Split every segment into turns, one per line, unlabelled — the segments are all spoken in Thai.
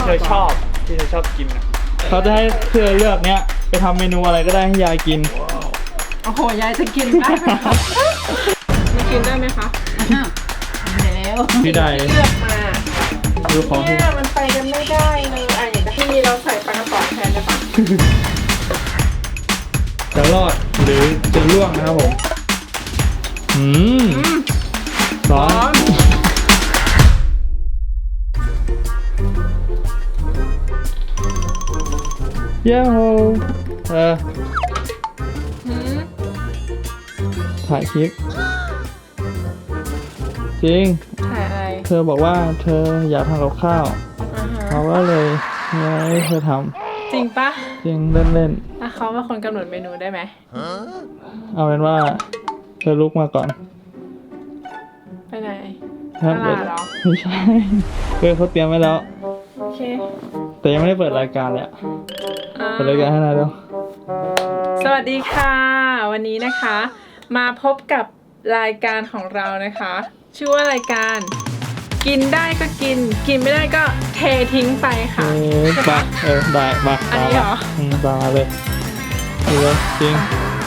เธอชอบกินเขาจะให้เธอเลือกเนี้ยไปทำเมนูอะไรก็ได้ให้ยายกิน
โอ้โหยายจะกินได้ไหมคะมันกินได้ไหมคะแล้ว
พี่ได้
เลือกมา
ดูของที่
มันไปกันไม่ได้เลยอย่างที่มีเราใส่ปลากระป๋องแทนได้ปะ
จะรอดหรือจะล่วงนะครับผมร้อนเย้โฮถ่ายคลิปจริง
ถ่ายอะไร
เธอบอกว่าเธออยากทำกับข้าวเขาก็เลยให้เธอท
ำจริงปะ
จริงเล่น
ๆเขาเป็นคนกำหนดเมนูได้ไหม
เอาเป็นว่าเธอลุกมาก่อน
ไปไหน
ตลาดเหรอไม่ใช่เขาเตรียมไว้แล้ว
โอเค
แต่ยังไม่ได้เปิดรายการเลยเปิดรายการให้นายดู
สวัสดีค่ะวันนี้นะคะมาพบกับรายการของเรานะคะชื่อว่ารายการกินได้ก็กินไม่ได้ก็เททิ้งไปค่ะ
มาได้มา
อันนี้เหรอ
มาเลยดูเลยจริง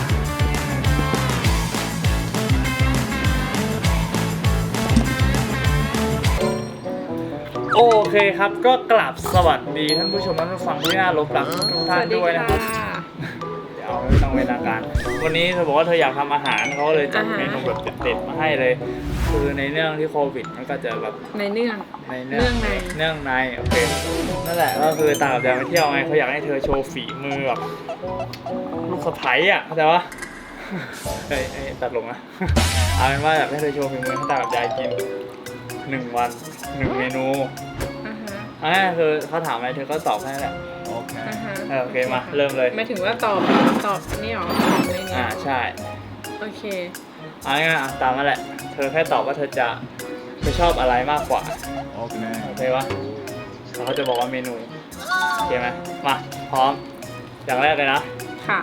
โอเคครับก็กลับสวัสดีท่านผู้ชมท่านผู้ฟังที่น่ารพรักทุกท่านด้วยนะครับเดี๋ยวไม่ต้องเวลาการวันนี้เธอบอกว่าเธออยากทำอาหารเขาเลยจัดเมนูแบบเด็ดๆมาให้เลยคือในเรื่องที่โควิดมันก็จะแบบ
ในเนื่องใน
โอเคนั่นแหละก็คือตากับยายไปเที่ยวไงเขาอยากให้เธอโชว์ฝีมือแบบลูกสะใภ้อ่ะเข้าใจปะตัดลงนะเอาเป็นว่าอยากให้เธอโชว์ฝีมือให้ตากับยายกิน1 วัน 1 เมนูคือเขาถามอะไรเธอก็ตอบให้แหละโอเคมาเริ่มเลย
ไม่ถึงว่าตอบนี่หรออะไรเนี่ย
ใช่
โอเค
ง่ายตามมาแหละเธอแค่ตอบว่าเธอชอบอะไรมากกว่าโอเควะแล้วเขาจะบอกว่าเมนูโอเคไหมมาพร้อมอย่างแรกเลยนะ
ค่ะ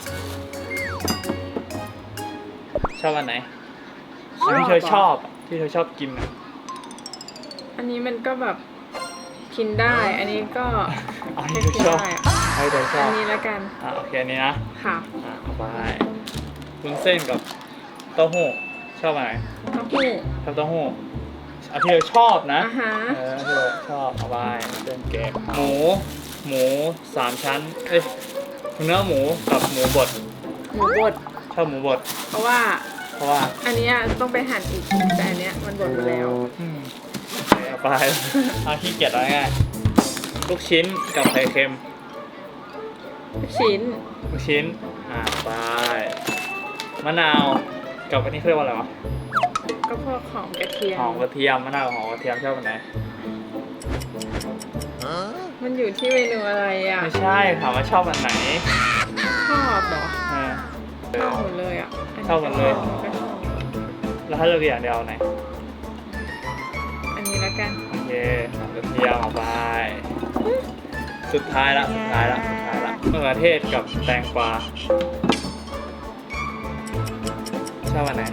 ชอบอันไหนที่เธอชอบกิน
อันนี้มันก็แบบกินได้อันนี้ก็
ไม่กินได้ให้เธอชอบ
อันนี้แล้วกัน
โอเคอันนี้นะ
ค่ะ
ไปวุ้นเส้นกับเต้าหู้ชอบอะไร
เต้าหู้
ชอบเต้าหู้ที่เธอชอบนะที่เธอชอบเอาไปเส้นแกงหมู3 ชั้นเนื้อหมูกับหมูบดชอบหมูบด
เพราะว่าอันนี้ต้องไปหั่นอีกแต่อันเนี้ยมันบดไปแล้ว
เอาไปขี้เกียจอะไรง่ายลูกชิ้นกับไข่เค็ม
ลูกชิ้น
ไปมะนาวกับอันนี้เรียกว่าอะไรวะ
ก็พวกหอมกระเทีย
มมะนาวหอมกระเทียมชอบอันไหน
มันอยู่ที่เมนูอะไร
ไม่ใช่ถามว่าชอบอันไหน
ชอบเหรอชอบหมดเลย
ชอบหมดเลยแล้วถ้าเลือกอย่างเดียวไหน
อันนี้แล้วกัน
โอเคกระเทียมออกไปสุดท้ายละมะเขือเทศกับแตงกวาชอบอันไหน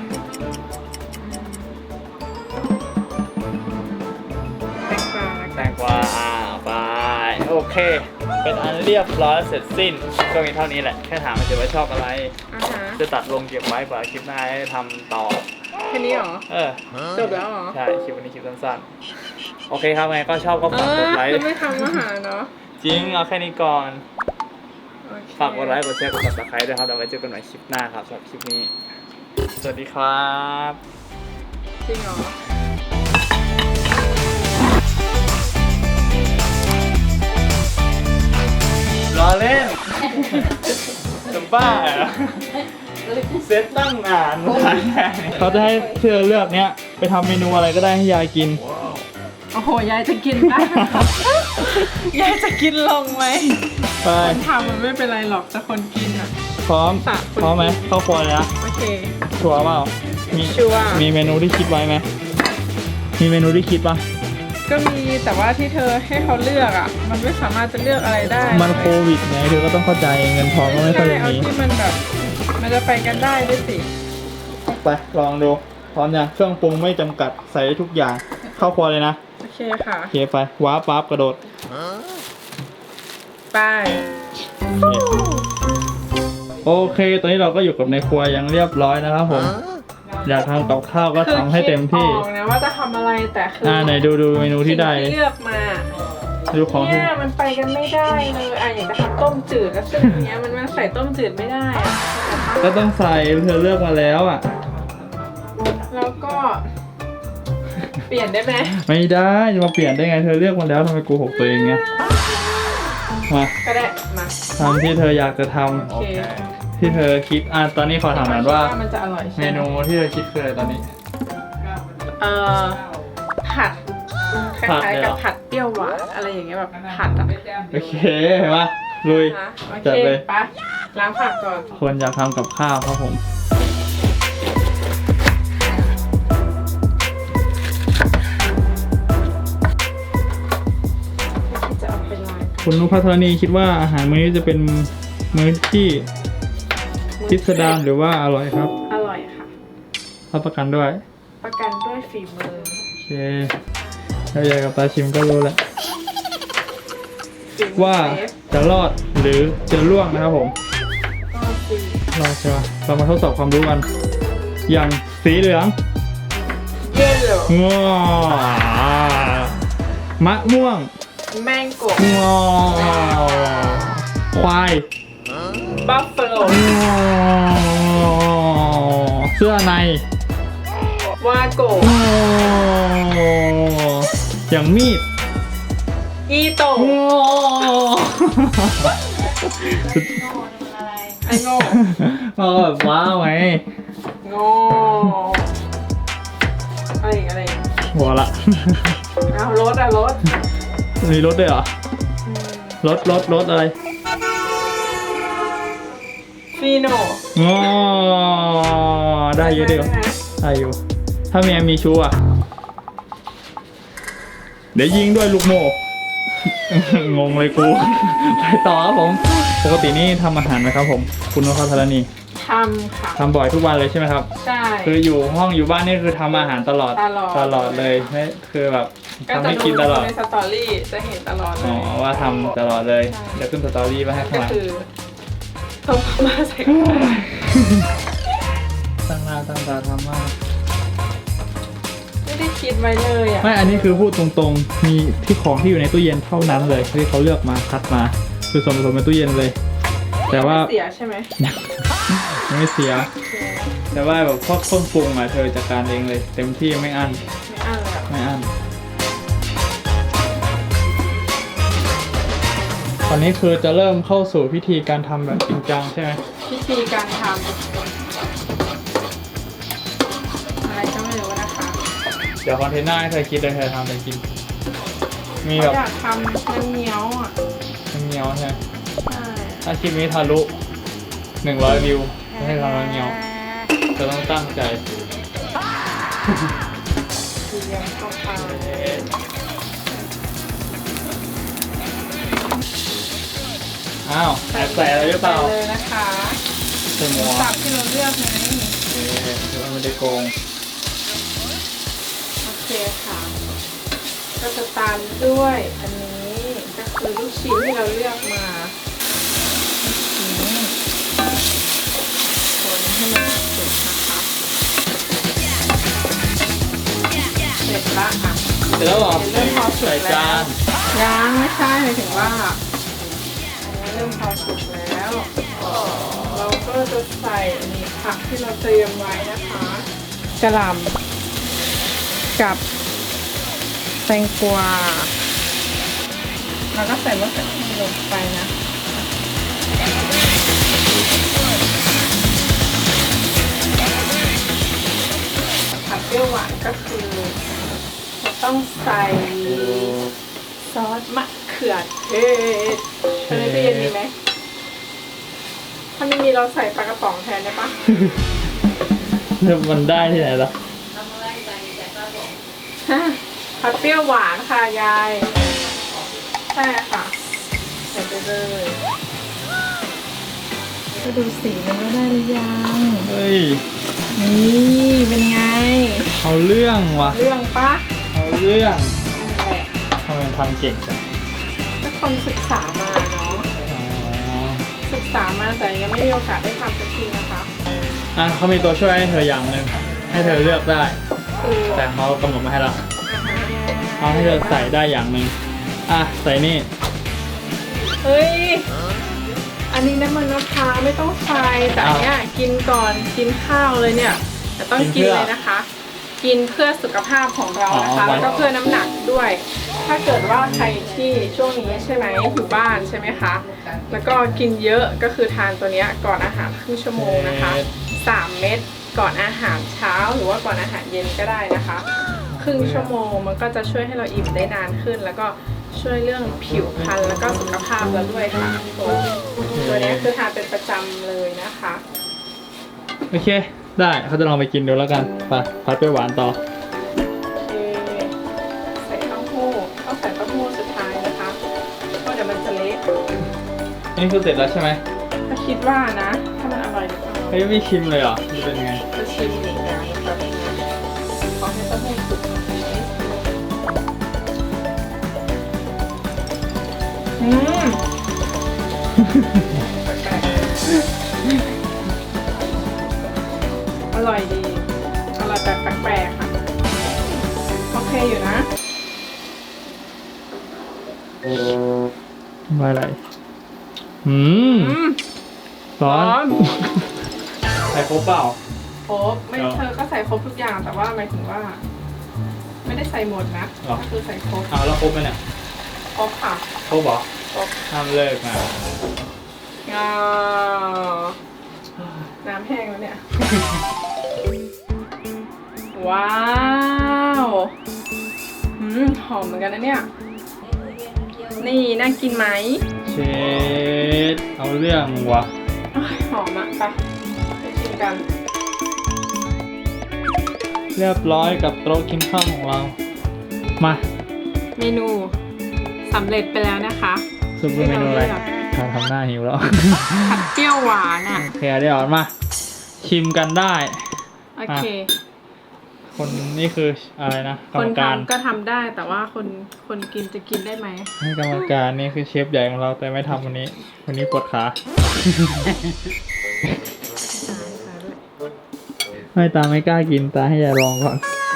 แตงกวาไปโอเคเป็นอันเรียบร้อยเสร็จสิ้นก็มีเท่านี้แหละแค่ถามมันจะว่าชอบอะไรจะตัดลงเก็บไว้เผื่อคลิปหน้าให้ทำต่อ
แค่นี้หรอจบแล้วหรอ
ใช่คลิปวันนี้คลิปสั้นๆโอเคครับไงก็ชอบก็ฝากกดไลค์
ไม่ทำอาหารเนาะ
จริงเอาแค่นี้ก่อนฝากกดไลค์กดแชร์กด Subscribe ด้วยครับแล้วไว้เจอกันใหม่คลิปหน้าครับสำหรับคลิปนี้สวัสดีครับ
จริงเหรอ
รอเล่นจะบ้าเซตตั้งนานเขาจะให้เธอเลือกเนี้ยไปทำเมนูอะไรก็ได้ให้ยายกิน
โอ้โหยายจะกินได้ยายจะกินลงไหมคนทำมันไม่เป็นไรหรอกแต่คนกิน
พร้อมไหมเข้าครัวเลยนะ
โอเค
ชัวร์เปล่ามีเมนูที่คิดไว้ไหมมีเมนูที่คิดป่ะ
ก็มีแต่ว่าที่เธอให้เขาเลือกมันไม่สามารถจะเลือกอะไรได้
มันโควิดไงเธอก็ต้องเข้าใจเงินทองก็ไม่ค่อยมี
ที่มันแบบมันจะไปกันได้ด้วยสิ
ไปลองดูพร้อมยังเครื่องปรุงไม่จำกัดใส่ทุกอย่างเข้าครัวเลยนะ
โอเคเคค่ะ
โอเคไปว้าร์ปปั๊บกระโดด
ไป
โอเคตอนนี้เราก็อยู่กับในครัวยังเรียบร้อยนะครับผมอยากทำกับข้าวก็ทำให้เต็มที่
คือคิดออกนะว่าจะทำอะไรแต่คือ
ไหนดูเมนูที่ได้
สิ่งที่เลือกมา
ดูของที่
เนี่ยมันไปกันไม่ได้เลยอยากจะทำต้มจืดแล้วซึ่งอันเนี้ยมันใส่ต้มจืดไม่ได้อะ
ก็ต้องใส่เธอเลือกมาแล้วอ่ะ
แล้วก็ เปลี่ยนได้ไหม
ไม่ได้จะมาเปลี่ยนได้ไงเธอเลือกมาแล้วทำไมโกหกตัวเองเนี่ยมา
ก็ได้มา
ทำที่เธออยากจะท
โอเค
ำที่เธอคิดตอนนี้ขอถามหน่อยว่า
มันจะอร่อยใช่
เม
ไหม
นูที่เธอคิดคืออะไรตอนนี้
ผัดค
ผัด
ล้าย
เลย
ๆ
เหร
กั
อ
บผัดเปรี้ยวหวานอะไรอย่างเงี้ยแบบผัดอ่ะ
โอเคมาลุย
นะโอ
จัด
เค
เลย
ไปล้างผักก่อน
คนอยากทำกับข้าวครับผม
จะเอาไปล้าง
คุณนุพัฒนีคิดว่าอาหารมื้อนี้จะเป็นมื้อที่พิสดารหรือว่าอร่อยครับ
อร่อยค่ะ
รับประกันด้วย
ประกันด้วยฝีมือ
โอเคถ้าอยากกับตาชิมก็รู้แล้ว
ฝีมือ
ว่า
เชฟ
จะรอดหรือจะล่วงนะครับผม
ก็คือ
รอดใช่ไหมเรามาทดสอบความรู้กันอย่างสีเหลือง
เยลโล่
งอมะม่วง
แมงโก
งอควาย
บัฟเฟโล
งอเสื้อใน
วาโก
งออย่างมีด
อีโต
งอ
ไอโง่
แบบว้าวไง
โง่อะไรอีก
หัวละ
เอารถรถ
มีรถด้วยเหรอ รถอะไร
ฟีโน
งอได้เยอะเดียวได้อยู่ ถ้าเมียมีชู้อ่ะ เดี๋ยวยิงด้วยลูกโม่ งงเลยกู ไปต่อครับผม ปกตินี่ทำอาหารไหมครับผม คุณนพธรณี
ทำค่ะ
ทำบ่อยทุกวันเลยใช่ไหมครับ
ใช่
คืออยู่ห้องอยู่บ้านนี่คือทำอาหารตลอด
ตลอด
เลยไม่คือแบบ
ก็
ทำ
จะ
ให้กินตลอด
ในสตอรี่จะเห็นตลอดเล
อ๋อย ว่าทำตลอดเลย เดี๋ยวขึ้นสตอรี่มาให้ข้าง
ก็
หลัง
คือต้มมาใส่ข้าว
ตั้งหน้าตั้งตาทำมาก
ไม่ได้คิดไว้เลยอ่ะ
ไม่ อันนี้คือพูดตรงๆ มีที่ของที่อยู่ในตู้เย็นเท่านั้นเลยที่เขาเลือกมาคัดมา คือส่วนผสมในตู้เย็นเลย แต่ว่า
เสียใช่ไหม
ยังไม่เสีย แต่ว่าแบบพวกเครื่องปรุงอะเธอจัดการเองเลย เต็มที่ไม่อั้น
ไม่อ่านเลยอะ
ไม่อั้นตอนนี้คือจะเริ่มเข้าสู่พิธีการทำแบบจริงจังใช่ไหม
วิธีการทำอะไรก็ไม่รู้นะคะ
เดี๋ยวคอนเทนต์หน้าให้เธอคิดเลยเธอทำอะไรกิน มีแบบ
อยากทำน้ำเงี้ยวอ่ะ
น้ำเงี้ยวใช่ไหม
ใช่
ถ้าคลิปนี้ทะลุ100 วิวจะให้ทำน้ำเงี้ยวจะต้องตั้งใจ
เทียมเข้าไป
อ้าวแอบใส่อะไรหรือเปล่า
ใส่เลยนะคะ
ใส่หมู
สับที่เราเลือกไง
คือมันไม่ได้โกง
โอเคค่ะ ก็จะตามด้วยอันนี้ก็คือลูกชิ้นที่เราเลือกมาลูกชิ้นคนให้มันสุกนะคะเสร็จละอ่ะ
เสร็จแล้วเหรอ
เริ่มพอสุก
ใส่
แล้
จาว น
ยังไม่ใช่หมายถึงว่าอันนี้เริ่มพอสุกแล้ว เราก็จะใส่อันนี้ผักที่เราเตรียมไว้นะคะกระหล่ำกับแตงกวาแล้วก็ใส่มะเขือเทศลงไปนะผัดเปรี้ยวหวานก็คือเราต้องใส่ซอสมะเขือเทศตอนนี้ตู้เย็นมีไหม ถ้าไม่มีเราใส่ปลากระป๋องแทนได้ปะ
มันได้ที่ไหนล่ะ
ผัดเปรี้ยวหวานค่ะยายใช่ค่ะใส่ไปเลยก็ดูสีมันก็ได้หรือยัง
เฮ้ย
นี่เป็นไง
เอาเรื่องว่ะ
เรื่องปะ
เอาเรื่อง
นั่นแหละ
ทำเก่งจัง
ทุกคนศึกษามาเนาะ
อ๋อ
ศึกษามาแต่ยังไม่มีโอกาสได้ทำสักทีนะคะ
อ่ะเขามีตัวช่วยให้เธออย่างหนึ่งให้เธอเลือกได้
คือ
แต่เขากำหนดมาให้เราเขาให้เธอใส่ได้อย่างหนึ่งอ่ะใส่นี่
เฮ้ย อันนี้น้ำมันมะพร้าวไม่ต้องใส่แต่อันเนี้ยกินก่อนกินข้าวเลยเนี่ยแต่ต้องกินเลยนะคะ กินเพื่อสุขภาพของเรานะคะ แล้วก็เพื่อน้ำหนักด้วย ถ้าเกิดว่าใครที่ช่วงนี้ใช่ไหมอยู่บ้านใช่ไหมคะ แล้วก็กินเยอะก็คือทานตัวเนี้ยก่อนอาหารครึ่งชั่วโมงนะคะ 3 เม็ดก่อนอาหารเช้าหรือว่าก่อนอาหารเย็นก็ได้นะคะ ครึ่งชั่วโมงมันก็จะช่วยให้เราอิ่มได้นานขึ้น แล้วก็ช่วยเรื่องผิวพรรณแล้วก็สุขภาพเราด้วยค่ะตัวนี้คือทานเป็นประจำเลยนะคะ
โอเคได้เขาจะลองไปกินดูแล้วกันไปพัดไปหวานต่อ
โอเคใส่เต้าหู้ต้องใส่เต้าหู้สุดท้ายนะคะเพราะเดี๋ยวมันจะเละ
นี่คือเสร็จแล้วใช่ไหม
ถ้าคิดว่านะ ถ้ามันอร่อยหรือเปล่า
เฮ้ยไม่ชิมเลยเหรอมันเป็นไง
จะชิมอีกอย่างนะครับขอให้เต้าหู้สุกอืมอร่อยดี อร่อยแบบแปลกๆค่ะ โอเคอยู่นะ
มาอะไรอืม
อืม
ร้อน
ร้อน
ใส่ครบเปล่า
ครบไม่เธอก็ใส่ครบทุกอย่างแต่ว่าหมายถึงว่า ไม่ได้ใส่หมดนะ
หรอ
ก็คือใส่ครบ
เอาแล้วครบไหมเนี่ย
ครบค่ะ
ครบเหรอ
ครบ
ห้ามเลิกนะ
อ่าน้ำแห้งแล้วเนี่ย ว้าวหอมเหมือนกันนะเนี่ย นี่น่ากินไหม
เชดเอาเรื่องวะ
อ้ายหอมอะไปชิมกัน
เรียบร้อยกับโต๊ะกินข้าวของเรา มา
เมนูสำเร็จไปแล้วนะคะ
ซุปเปอร์เมนูอะไรทำหน้าหิวแล้ว
ผัดเปรี้ยวหวานอ่ะ
โอเคเดี๋ยวมา ชิมกันได้
โอเค
คนนี่คืออะไรนะกร
ค
ร
น
มการ
ทำก็ทำได้แต่ว่าคนกินจะกินได้ไหม
ให้กรรมการนี่คือเชฟใหญ่ของเราแต่ไม่ทำวันนี้ วันนี้ปวดขาไม่ตาไม่กล้ากินตาให้ยายลองก่อน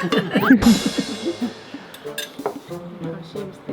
ลองชิมสิ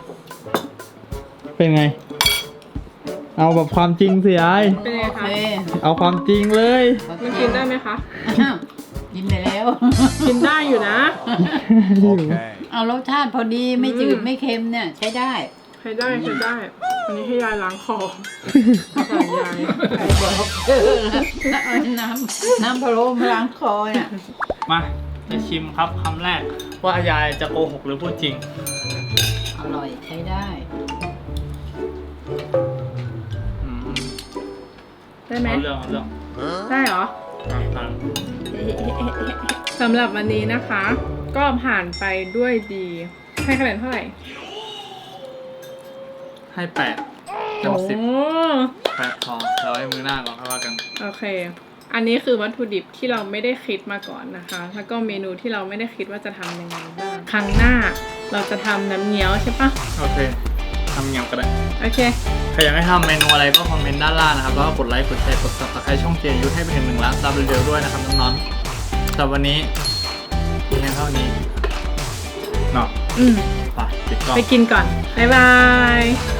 เป็นไง เอาแบบความจริงสิไอ
เป็นไงคะ
เอาความจริงเลย
มันกินได้ไหมคะ
อ้าวกินไปแล้ว
กินได้อยู่นะ
เอารสชาติพอดีไม่จืดไม่เค็มเนี่ยใช้ได้
ใช้ได้ อันนี้ให้ยายล้างคอใส่ยาย
ใครบอกแล้วเอาน้ำพะโล้มาล้างคอเนี่ย
มาจะชิมครับคำแรกว่ายายจะโกหกหรือพูดจริง
อร่อยใช้ได้
อืม
ได้ไหม
เอาเรื่อง
ได้เหรอ
ผ่าน
สำหรับวันนี้นะคะ ก็ผ่านไปด้วยดี ให้คะแนนเท่าไหร่
ให้8 เต็ม
โอ้
10 8พอเราให้มือหน้าก่อนค่อยว่ากัน
โอเค อันนี้คือวัตถุดิบที่เราไม่ได้คิดมาก่อนนะคะ แล้วก็เมนูที่เราไม่ได้คิดว่าจะทำยังไงบ้าง ครั้งหน้าเราจะทำน้ำเงี้ยวใช่ปะ
โอเคทำเงียบก็ได้
โอเค
ใครอยากให้ทำเมนูอะไรก็คอมเมนต์ด้านล่างนะครับ แล้วก็กดไลค์ กดแชร์ กด subscribe ช่องเจนยูให้ไปถึง1 ล้านซับเร็วๆด้วยนะครับน้องๆแต่วันนี้เพียงเท่านี้เนาะ
อืม
ไปปิดกล้อง
ไปกินก่อน บ๊ายบาย